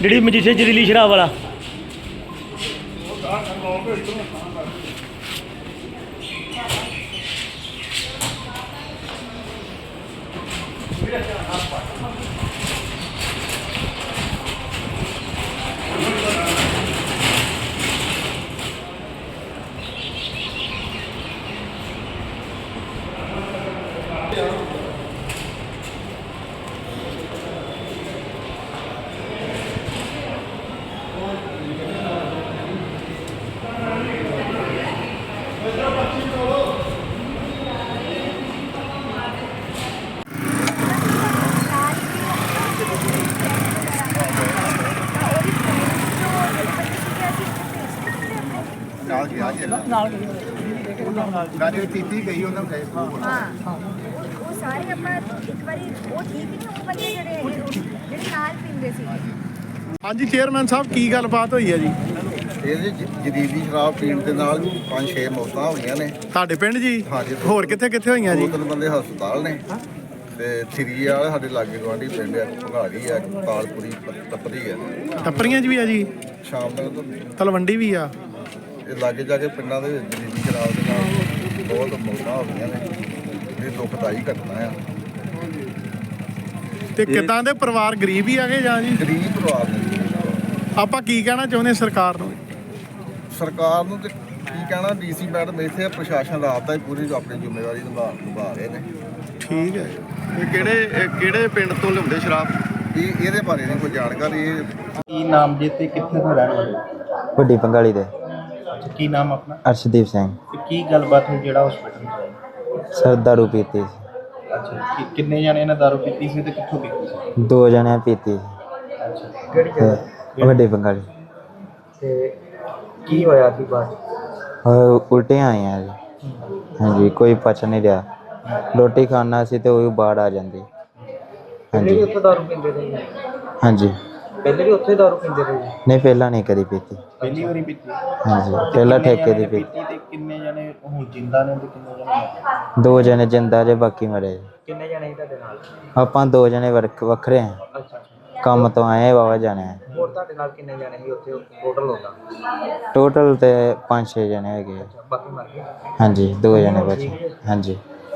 ਜਿਹੜੀ ਮਜੀਠੇ ਜ਼ਹਿਰੀਲੀ ਸ਼ਰਾਬ ਵਾਲਾ। ਨਾਲ ਗਿਆ ਜੀ ਨਾਲ ਗਈ ਕੀਤੀ ਗਈ ਉਹਨਾਂ ਗਏ ਹਾਂ ਉਹ ਸਾਰੇ ਆਪਾਂ ਇੱਕ ਵਾਰੀ ਉਹ ਠੀਕ ਨਹੀਂ ਉਹ ਬੰਦੇ ਜਿਹੜੇ ਨਾਲ ਪੀਂਦੇ ਸੀ। ਹਾਂਜੀ ਚੇਅਰਮੈਨ ਸਾਹਿਬ ਕੀ ਗੱਲਬਾਤ ਹੋਈ ਹੈ ਜੀ? ਇਹਦੇ ਜ਼ਹਿਰੀਲੀ ਸ਼ਰਾਬ ਪੀਣ ਦੇ ਨਾਲ 5-6 ਮੌਤਾਂ ਹੋਈਆਂ ਨੇ ਤੁਹਾਡੇ ਪਿੰਡ ਜੀ? ਹਾਂਜੀ। ਹੋਰ ਕਿੱਥੇ ਕਿੱਥੇ ਹੋਈਆਂ ਜੀ? 2-3 ਬੰਦੇ ਹਸਪਤਾਲ ਨੇ ਤੇ ਥਰੀ ਵਾਲੇ ਸਾਡੇ ਲਾਗੇ ਗੁਆਂਢੀ ਪਿੰਡ ਆ, ਭਗਾੜੀ ਆ, ਤਾਲਪੁਰੀ ਤਪਦੀ ਆ, ਟੱਪਰੀਆਂ 'ਚ ਵੀ ਆ ਜੀ, ਸ਼ਾਮ ਤੱਕ ਤਲਵੰਡੀ ਵੀ ਆ। ਇਹ ਲਾਗੇ ਜਾ ਕੇ ਪਿੰਡਾਂ ਦੇ ਵਿੱਚ ਜ਼ਹਿਰੀਲੀ ਸ਼ਰਾਬ ਦੇ ਨਾਲ ਬਹੁਤ ਮੌਤਾਂ ਹੋ ਗਈਆਂ ਨੇ। ਇਹ ਦੁਖਦਾਈ ਘਟਨਾ ਆ। ਤੇ ਕਿੱਦਾਂ ਦੇ ਪਰਿਵਾਰ ਗਰੀਬ ਹੀ ਆਗੇ ਜਾਂ ਜੀ? ਗਰੀਬ ਪਰਿਵਾਰ ਨੇ। ਆਪਾਂ ਕੀ ਕਹਿਣਾ ਚਾਹੁੰਦੇ ਸਰਕਾਰ ਨੂੰ? ਸਰਕਾਰ ਨੂੰ ਤੇ ਕੀ ਕਹਿਣਾ, ਡੀਸੀ ਮੈਡਮ ਇੱਥੇ ਪ੍ਰਸ਼ਾਸਨ ਰਾਤ ਦਾ ਹੀ ਪੂਰੀ ਆਪਣੀ ਜ਼ਿੰਮੇਵਾਰੀ ਨਿਭਾ ਰਹੇ ਨੇ। ਠੀਕ ਹੈ। ਇਹ ਕਿਹੜੇ ਪਿੰਡ ਤੋਂ ਲਿਆਉਂਦੇ ਸ਼ਰਾਬ? ਇਹਦੇ ਬਾਰੇ ਨਹੀਂ ਕੋਈ ਜਾਣਕਾਰੀ। ਕੀ ਨਾਮ ਜੇ ਤੇ ਕਿੱਥੇ ਦਾ ਰਹਿਣ ਵਾਲੇ? ਵੱਡੀ ਪੰਗਾਲੀ ਦੇ। ਅੱਛਾ, ਕੀ ਨਾਮ ਆਪਣਾ? ਅਰਸ਼ਦੀਪ ਸਿੰਘ। ਤੇ ਕੀ ਗੱਲਬਾਤ ਹੋਈ ਜਿਹੜਾ ਹਸਪੀਟਲ ਚ ਆਏ? ਸਰ ਦਾਰੂ ਪੀਤੀ ਸੀ। ਅੱਛਾ, ਕਿੰਨੇ ਜਣੇ ਨੇ ਦਾਰੂ ਪੀਤੀ ਸੀ ਤੇ ਕਿੱਥੋਂ ਪੀਤੀ ਸੀ? 2 ਜਣੇ ਪੀਤੀ ਸੀ। ਅੱਛਾ, ਕਿਹੜੀ ਜਗ੍ਹਾ? ਵੱਡੀ ਪੰਗਾਲੀ। ਤੇ ਕੀ ਹੋਇਆ ਸੀ ਬਾਅਦ? ਉਲਟੀਆਂ ਆਈਆਂ ਜੀ। ਹਾਂਜੀ, ਕੋਈ ਪਚ ਨਹੀਂ ਰਿਹਾ। ਰੋਟੀ ਖਾਣਾ ਸੀ ਤੇ ਉਹ ਵੀ ਬਾਹਰ ਆ ਜਾਂਦੀ। ਹਾਂਜੀ ਉੱਥੇ ਦਾਰੂ ਪੀਂਦੇ ਰਹੇ? ਹਾਂਜੀ। ਪਹਿਲੇ ਵੀ ਉੱਥੇ ਦਾਰੂ ਪੀਂਦੇ ਰਹੇ? ਨਹੀਂ, ਪਹਿਲਾਂ ਨਹੀਂ ਕਦੀ ਪੀਤੀ। ਪਹਿਲੀ ਵਾਰੀ ਪੀਤੀ? ਹਾਂਜੀ, ਪਹਿਲਾਂ ਠੇਕੇ ਦੀ ਪੀਤੀ। ਤੇ ਕਿੰਨੇ ਜਣੇ ਹੁਣ ਜਿੰਦਾ ਨੇ ਤੇ ਕਿੰਨੇ ਜਣੇ? 2 ਜਣੇ ਜਿੰਦਾ ਜੇ, ਬਾਕੀ ਮਰੇ। ਕਿੰਨੇ ਜਣੇ ਸੀ ਤੁਹਾਡੇ ਨਾਲ? ਆਪਾਂ 2 ਜਣੇ ਵੱਖਰੇ ਆ। ਅੱਛਾ, ਕੰਮ ਤੋਂ ਆਏ ਵਾਵਾ ਜਾਣੇ ਆ। ਹੋਰ ਤੁਹਾਡੇ ਨਾਲ ਕਿੰਨੇ ਜਣੇ ਸੀ ਉੱਥੇ ਟੋਟਲ ਹੁੰਦਾ? ਟੋਟਲ ਤੇ 5-6 ਜਣੇ ਹੈਗੇ ਆ। ਬਾਕੀ ਮਰ ਗਏ? ਹਾਂਜੀ, 2 ਜਣੇ ਬਚੇ। ਹਾਂਜੀ।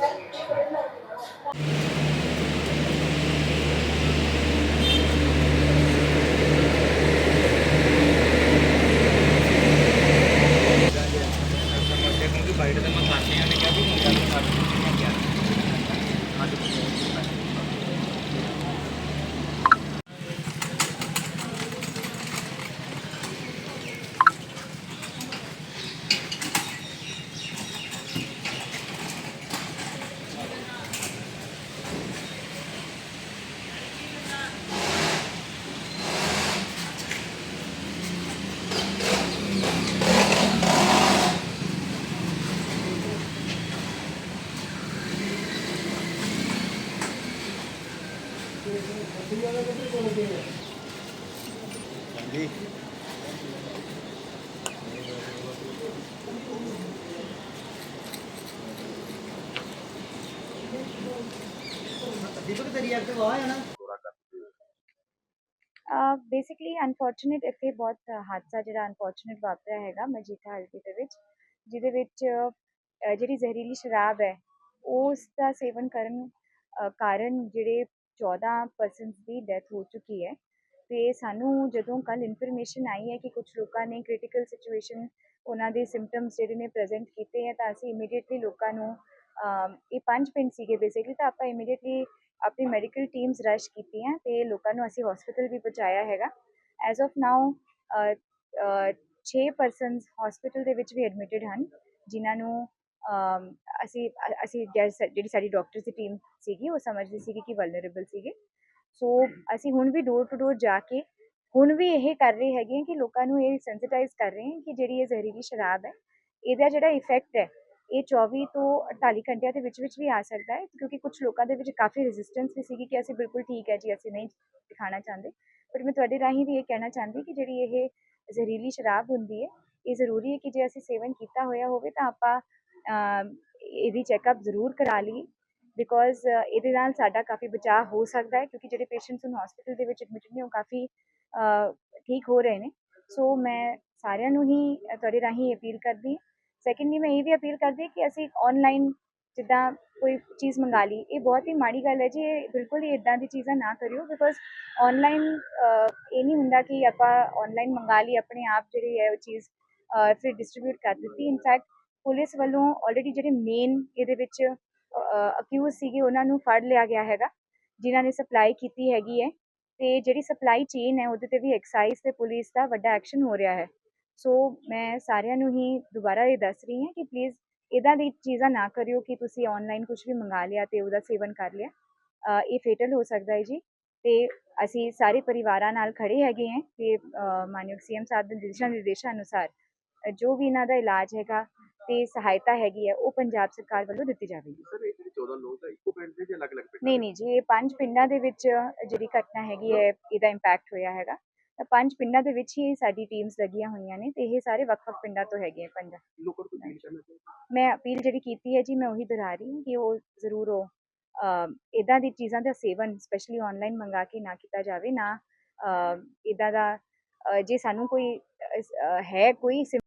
ਬੇਸਿਕਲੀ ਅਨਫੋਰਚੂਨੇਟ ਇੱਥੇ ਬਹੁਤ ਹਾਦਸਾ ਜਿਹੜਾ ਅਨਫੋਰਚੂਨੇਟ ਵਾਪਰਿਆ ਹੈਗਾ ਮਜੀਠਾ ਹਲਕੇ ਦੇ ਵਿੱਚ, ਜਿਹਦੇ ਵਿੱਚ ਜਿਹੜੀ ਜ਼ਹਿਰੀਲੀ ਸ਼ਰਾਬ ਹੈ ਉਸ ਦਾ ਸੇਵਨ ਕਰਨ ਕਾਰਨ ਜਿਹੜੇ 14 ਪਰਸਨਸ ਦੀ ਡੈਥ ਹੋ ਚੁੱਕੀ ਹੈ। ਤੇ ਸਾਨੂੰ ਜਦੋਂ ਕੱਲ ਇਨਫੋਰਮੇਸ਼ਨ ਆਈ ਹੈ ਕਿ ਕੁਝ ਲੋਕਾਂ ਨੇ ਕ੍ਰਿਟੀਕਲ ਸਿਚੁਏਸ਼ਨ ਉਹਨਾਂ ਦੇ ਸਿੰਪਟਮਸ ਜਿਹੜੇ ਨੇ ਪ੍ਰੈਜ਼ੈਂਟ ਕੀਤੇ ਹੈ, ਤਾਂ ਅਸੀਂ ਇਮੀਡੀਏਟਲੀ ਲੋਕਾਂ ਨੂੰ ਇਹ 5 ਪਿੰਡ ਸੀਗੇ ਬੇਸਿਕਲੀ, ਤਾਂ ਆਪਾਂ ਇਮੀਡੀਏਟਲੀ ਆਪਣੀ ਮੈਡੀਕਲ ਟੀਮਸ ਰਸ਼ ਕੀਤੀਆਂ ਤੇ ਲੋਕਾਂ ਨੂੰ ਅਸੀਂ ਹਸਪੀਟਲ ਵੀ ਪਹੁੰਚਾਇਆ ਹੈਗਾ। As of now 6 persons hospital ਦੇ ਵਿੱਚ ਵੀ ਐਡਮਿਟਡ ਹਨ, ਜਿਨ੍ਹਾਂ ਨੂੰ ਅਸੀਂ ਜਿਹੜੀ ਸਾਡੀ ਡਾਕਟਰਸ ਦੀ ਟੀਮ ਸੀਗੀ ਉਹ ਸਮਝਦੀ ਸੀਗੀ ਕਿ ਵਲਨਰੇਬਲ ਸੀਗੇ। ਸੋ ਅਸੀਂ ਹੁਣ ਵੀ ਡੋਰ ਟੂ ਡੋਰ ਜਾ ਕੇ ਹੁਣ ਵੀ ਇਹ ਕਰ ਰਹੇ ਹੈਗੇ ਕਿ ਲੋਕਾਂ ਨੂੰ ਇਹ ਸੈਂਸਿਟਾਈਜ਼ ਕਰ ਰਹੇ ਹਾਂ ਕਿ ਜਿਹੜੀ ਇਹ ਜ਼ਹਿਰੀਲੀ ਸ਼ਰਾਬ ਹੈ ਇਹਦਾ ਜਿਹੜਾ ਇਫੈਕਟ ਹੈ ਇਹ 24 ਤੋਂ 48 ਘੰਟਿਆਂ ਦੇ ਵਿੱਚ ਵੀ ਆ ਸਕਦਾ ਹੈ, ਕਿਉਂਕਿ ਕੁਝ ਲੋਕਾਂ ਦੇ ਵਿੱਚ ਕਾਫੀ ਰੈਜ਼ਿਸਟੈਂਸ ਵੀ ਸੀਗੀ ਕਿ ਅਸੀਂ ਬਿਲਕੁਲ ਠੀਕ ਹੈ ਜੀ, ਅਸੀਂ ਨਹੀਂ ਦਿਖਾਉਣਾ ਚਾਹੁੰਦੇ। ਪਰ ਮੈਂ ਤੁਹਾਡੇ ਰਾਹੀਂ ਵੀ ਇਹ ਕਹਿਣਾ ਚਾਹੁੰਦੀ ਕਿ ਜਿਹੜੀ ਇਹ ਜ਼ਹਿਰੀਲੀ ਸ਼ਰਾਬ ਹੁੰਦੀ ਹੈ ਇਹ ਜ਼ਰੂਰੀ ਹੈ ਕਿ ਜੇ ਅਸੀਂ ਸੇਵਨ ਕੀਤਾ ਹੋਇਆ ਹੋਵੇ ਤਾਂ ਆਪਾਂ ਇਹਦੀ ਚੈੱਕਅਪ ਜ਼ਰੂਰ ਕਰਾ ਲਈਏ। ਬਿਕੋਜ਼ ਇਹਦੇ ਨਾਲ ਸਾਡਾ ਕਾਫੀ ਬਚਾਅ ਹੋ ਸਕਦਾ ਹੈ, ਕਿਉਂਕਿ ਜਿਹੜੇ ਪੇਸ਼ੈਂਟਸ ਹੁਣ ਹਸਪੀਟਲ ਦੇ ਵਿੱਚ ਐਡਮਿਟਡ ਨੇ ਉਹ ਕਾਫੀ ਠੀਕ ਹੋ ਰਹੇ ਨੇ। ਸੋ ਮੈਂ ਸਾਰਿਆਂ ਨੂੰ ਹੀ ਤੁਹਾਡੇ ਰਾਹੀਂ ਅਪੀਲ ਕਰਦੀ ਹਾਂ। ਸੈਕੰਡਲੀ ਮੈਂ ਇਹ ਵੀ ਅਪੀਲ ਕਰਦੀ ਹਾਂ ਕਿ ਅਸੀਂ ਔਨਲਾਈਨ ਜਿੱਦਾਂ ਕੋਈ ਚੀਜ਼ ਮੰਗਾ ਲਈ, ਇਹ ਬਹੁਤ ਹੀ ਮਾੜੀ ਗੱਲ ਹੈ ਜੀ। ਇਹ ਬਿਲਕੁਲ ਹੀ ਇੱਦਾਂ ਦੀ ਚੀਜ਼ਾਂ ਨਾ ਕਰਿਓ, ਬਿਕੋਜ਼ ਔਨਲਾਈਨ ਇਹ ਨਹੀਂ ਹੁੰਦਾ ਕਿ ਆਪਾਂ ਔਨਲਾਈਨ ਮੰਗਾ ਲਈ, ਆਪਣੇ ਆਪ ਜਿਹੜੀ ਹੈ ਉਹ ਚੀਜ਼ ਫਿਰ ਡਿਸਟਰੀਬਿਊਟ ਕਰ ਦਿੱਤੀ। ਇਨਫੈਕਟ ਪੁਲਿਸ ਵੱਲੋਂ ਆਲਰੇਡੀ ਜਿਹੜੇ ਮੇਨ ਇਹਦੇ ਵਿੱਚ ਅਕਿਊਜ਼ ਸੀਗੇ ਉਹਨਾਂ ਨੂੰ ਫੜ ਲਿਆ ਗਿਆ ਹੈਗਾ, ਜਿਨ੍ਹਾਂ ਨੇ ਸਪਲਾਈ ਕੀਤੀ ਹੈਗੀ ਹੈ। ਅਤੇ ਜਿਹੜੀ ਸਪਲਾਈ ਚੇਨ ਹੈ ਉਹਦੇ 'ਤੇ ਵੀ ਐਕਸਾਈਜ਼ ਅਤੇ ਪੁਲਿਸ ਦਾ ਵੱਡਾ ਐਕਸ਼ਨ ਹੋ ਰਿਹਾ ਹੈ। ਸੋ ਮੈਂ ਸਾਰਿਆਂ ਨੂੰ ਹੀ ਦੁਬਾਰਾ ਇਹ ਦੱਸ ਰਹੀ ਹਾਂ ਕਿ ਪਲੀਜ਼ ਇੱਦਾਂ ਦੀ ਚੀਜ਼ਾਂ ਨਾ ਕਰਿਓ ਕਿ ਤੁਸੀਂ ਔਨਲਾਈਨ ਕੁਛ ਵੀ ਮੰਗਾ ਲਿਆ ਅਤੇ ਉਹਦਾ ਸੇਵਨ ਕਰ ਲਿਆ। ਇਹ ਫੇਟਲ ਹੋ ਸਕਦਾ ਹੈ ਜੀ। ਅਤੇ ਅਸੀਂ ਸਾਰੇ ਪਰਿਵਾਰਾਂ ਨਾਲ ਖੜ੍ਹੇ ਹੈਗੇ ਹੈ ਕਿ ਮਾਨਯੋਗ CM ਸਾਹਿਬ ਦੇ ਦਿਸ਼ਾ ਨਿਰਦੇਸ਼ਾਂ ਅਨੁਸਾਰ ਜੋ ਵੀ ਇਹਨਾਂ ਦਾ ਇਲਾਜ ਹੈਗਾ ਅਤੇ ਸਹਾਇਤਾ ਹੈਗੀ ਹੈ ਉਹ ਪੰਜਾਬ ਸਰਕਾਰ ਵੱਲੋਂ ਦਿੱਤੀ ਜਾਵੇਗੀ। ਸਰ ਇਹ ਜਿਹੜੇ 14 ਲੋਕ ਆ ਇੱਕੋ ਪਿੰਡ ਦੇ ਜਾਂ ਅਲੱਗ-ਅਲੱਗ ਪਿੰਡ? ਨਹੀਂ ਜੀ, ਇਹ 5 ਪਿੰਡਾਂ ਦੇ ਵਿੱਚ ਜਿਹੜੀ ਘਟਨਾ ਹੈਗੀ ਹੈ ਇਹਦਾ ਇੰਪੈਕਟ ਹੋਇਆ ਹੈਗਾ। ਤਾਂ 5 ਪਿੰਡਾਂ ਦੇ ਵਿੱਚ ਹੀ ਸਾਡੀ ਟੀਮਸ ਲੱਗੀਆਂ ਹੋਈਆਂ ਨੇ, ਅਤੇ ਇਹ ਸਾਰੇ ਵੱਖ-ਵੱਖ ਪਿੰਡਾਂ ਤੋਂ ਹੈਗੇ ਆ ਪਿੰਡ। ਲੋਕਾਂ ਨੂੰ ਅਪੀਲ ਕਰਨਾ ਚਾਹੁੰਦਾ। ਮੈਂ ਅਪੀਲ ਜਿਹੜੀ ਕੀਤੀ ਹੈ ਜੀ, ਮੈਂ ਉਹੀ ਦੁਹਰਾ ਰਹੀ ਹਾਂ ਕਿ ਉਹ ਜ਼ਰੂਰ ਉਹ ਇੱਦਾਂ ਦੀ ਚੀਜ਼ਾਂ ਦਾ ਸੇਵਨ ਸਪੈਸ਼ਲੀ ਔਨਲਾਈਨ ਮੰਗਾ ਕੇ ਨਾ ਕੀਤਾ ਜਾਵੇ। ਨਾ ਇੱਦਾਂ ਦਾ ਜੇ ਸਾਨੂੰ ਕੋਈ ਹੈ ਕੋਈ